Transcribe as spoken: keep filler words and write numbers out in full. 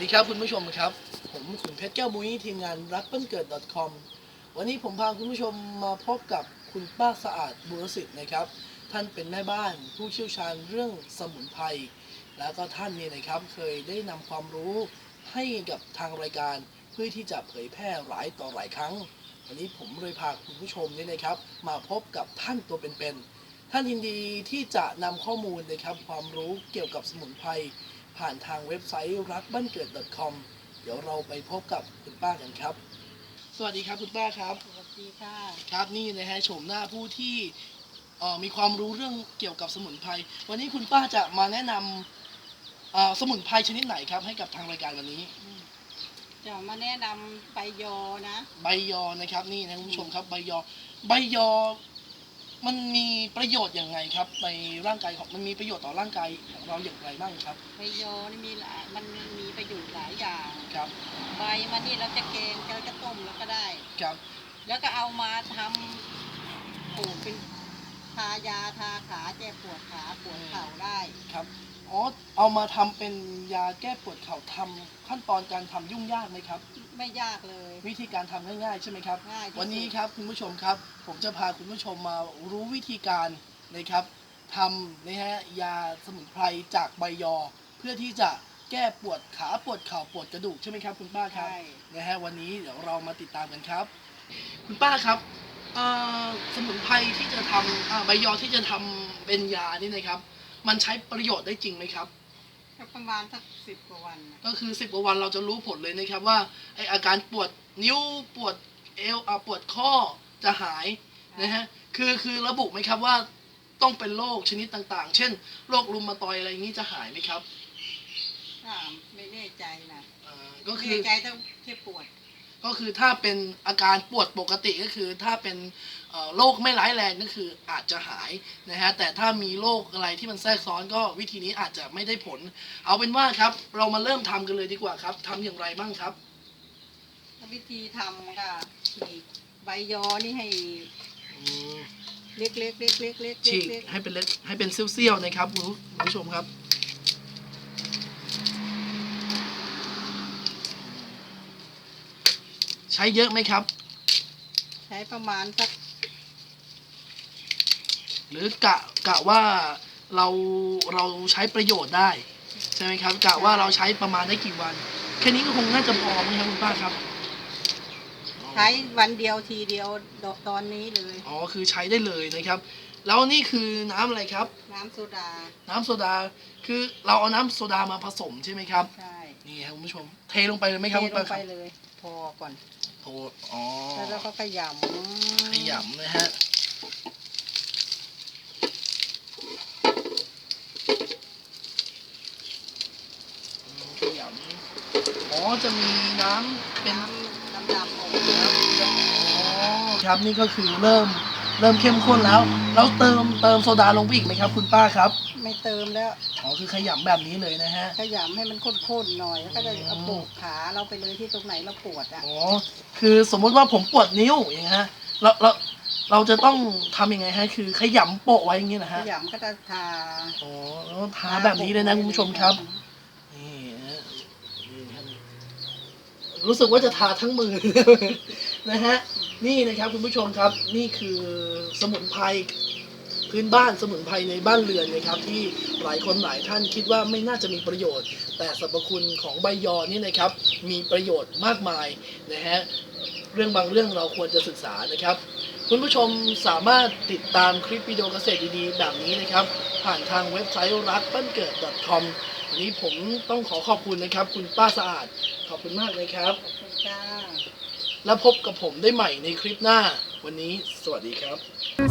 ดีครับคุณผู้ชมครับผมขุนเพชรแก้วมุ้ยทีมงานรักบ้านเกิด .com วันนี้ผมพาคุณผู้ชมมาพบกับคุณป้าสะอาดบุรสิทธิ์นะครับท่านเป็นแม่บ้านผู้เชี่ยวชาญเรื่องสมุนไพรแล้วก็ท่านนี่นะครับเคยได้นำความรู้ให้กับทางรายการเพื่อที่จะเผยแพร่หลายต่อหลายครั้งวันนี้ผมเลยพาคุณผู้ชมนี่นะครับมาพบกับท่านตัวเป็นๆท่านยินดีที่จะนำข้อมูลนะครับความรู้เกี่ยวกับสมุนไพรผ่านทางเว็บไซต์รักบ้านเกิด .com เดี๋ยวเราไปพบกับคุณป้ากันครับสวัสดีครับคุณป้าครับสวัสดีค่ะครับนี่นะฮะโฉมหน้าผู้ที่มีความรู้เรื่องเกี่ยวกับสมุนไพรวันนี้คุณป้าจะมาแนะนำสมุนไพรชนิดไหนครับให้กับทางรายการวันนี้จะมาแนะนำใบยอนะใบยอนะครับนี่นะคุณผู้ชมครับใบยอใบยอมันมีประโยชน์อย่างไรครับในร่างกายของมันมีประโยชน์ต่อร่างกายของเราอย่างไรบ้างครับใบยอนี่มีหลายมันมีประโยชน์หลายอย่างครับใบมันนี่เราจะแกงเราจะต้มแล้วก็ได้ครับแล้วก็เอามาทำปลูกเป็นทายาทาขาแก้ปวดขาปวดเข่าได้ครับอ๋อเอามาทำเป็นยาแก้ปวดเข่าทำขั้นตอนการทำยุ่งยากไหมครับไม่ยากเลยวิธีการทำง่ายๆใช่ไหมครับง่ายวันนี้ครับคุณผู้ชมครับผมจะพาคุณผู้ชมมารู้วิธีการนะครับทำนะฮะยาสมุนไพรจากใบยอเพื่อที่จะแก้ปวดขาปวดเข่าปวดกระดูกใช่ไหมครับคุณป้าครับนะฮะวันนี้เดี๋ยวเรามาติดตามกันครับคุณป้าครับสมุนไพรที่จะทำใบยอที่จะทำเป็นยานี่นะครับมันใช้ประโยชน์ได้จริงไหมครับประมาณสักสิบกว่าวันก็คือสิบกว่าวันเราจะรู้ผลเลยนะครับว่าไออาการปวดนิ้วปวดเอวปวดข้อจะหายนะฮะคือคือระบุไหมครับว่าต้องเป็นโรคชนิดต่างๆเช่นโรครุมาตอยอะไรอย่างนี้จะหายไหมครับไม่แน่ใจนะก็คือใจต้องแค่ปวดก็คือถ้าเป็นอาการปวดปกติก็คือถ้าเป็นโรคไม่ร้ายแรงก็คืออาจจะหายนะฮะแต่ถ้ามีโรคอะไรที่มันแทรกซ้อนก็วิธีนี้อาจจะไม่ได้ผลเอาเป็นว่าครับเรามาเริ่มทำกันเลยดีกว่าครับทำอย่างไรบ้างครับวิธีทำค่ะใบยอนี่ให้เล็กๆเล็กๆเล็กๆเล็กๆฉีกให้เป็นเล็กให้เป็นเสี้ยวๆนะครับคุณผู้ชมครับใช้เยอะไหมครับใช้ประมาณสักหรือกะกะว่าเราเราใช้ประโยชน์ได้ใช่ไหมครับกะว่าเราใช้ประมาณได้กี่วันแค่นี้ก็คงน่าจะพอไหมครับคุณป้าครับใช้วันเดียวทีเดียวตอนนี้เลยอ๋อคือใช้ได้เลยนะครับแล้วนี่คือน้ำอะไรครับน้ำโซดาน้ำโซดาคือเราเอาน้ำโซดามาผสมใช่ไหมครับใช่นี่ครับคุณผู้ชมเทลงไปเลยไหมครับเทลงไปเลยพอก่อนโถอ๋อแล้วก็ขยำขยำนะฮะขยำอ๋อจะมีน้ำเป็นน้ำดำออกอ๋อครับนี่ก็คือเริ่มเริ่มเข้มข้นแล้วแล้วเติมเติมโซดาลงไปอีกไหมครับคุณป้าครับไม่เติมแล้วอ๋อคือขยำแบบนี้เลยนะฮะขยำให้มันข้นๆหน่อยแล้วก็จะเอาโบกขาเราไปเลยที่ตรงไหนเราปวดอ่ะอ๋อคือสมมุติว่าผมปวดนิ้วอย่างเงี้ยฮะเราเราเราจะต้องทำยังไงฮะคือขยำโปะไว้อย่างงี้นะฮะขยำก็จะทาอ๋อทาแบบนี้เลยนะคุณผู้ชมครับนี่รู้สึกว่าจะทาทั้งมือนะฮะนี่นะครับคุณผู้ชมครับนี่คือสมุนไพรพื้นบ้านสมุนไพรในบ้านเรือนนะครับที่หลายคนหลายท่านคิดว่าไม่น่าจะมีประโยชน์แต่สรรพคุณของใบยอนี่นะครับมีประโยชน์มากมายนะฮะเรื่องบางเรื่องเราควรจะศึกษานะครับคุณผู้ชมสามารถติดตามคลิปวิดีโอเกษตรดีๆแบบนี้นะครับผ่านทางเว็บไซต์รักบ้านเกิด .com วันนี้ผมต้องขอขอบคุณนะครับคุณป้าสะอาดขอบคุณมากเลยครับขอบคุณจ้าแล้วพบกับผมได้ใหม่ในคลิปหน้าวันนี้สวัสดีครับ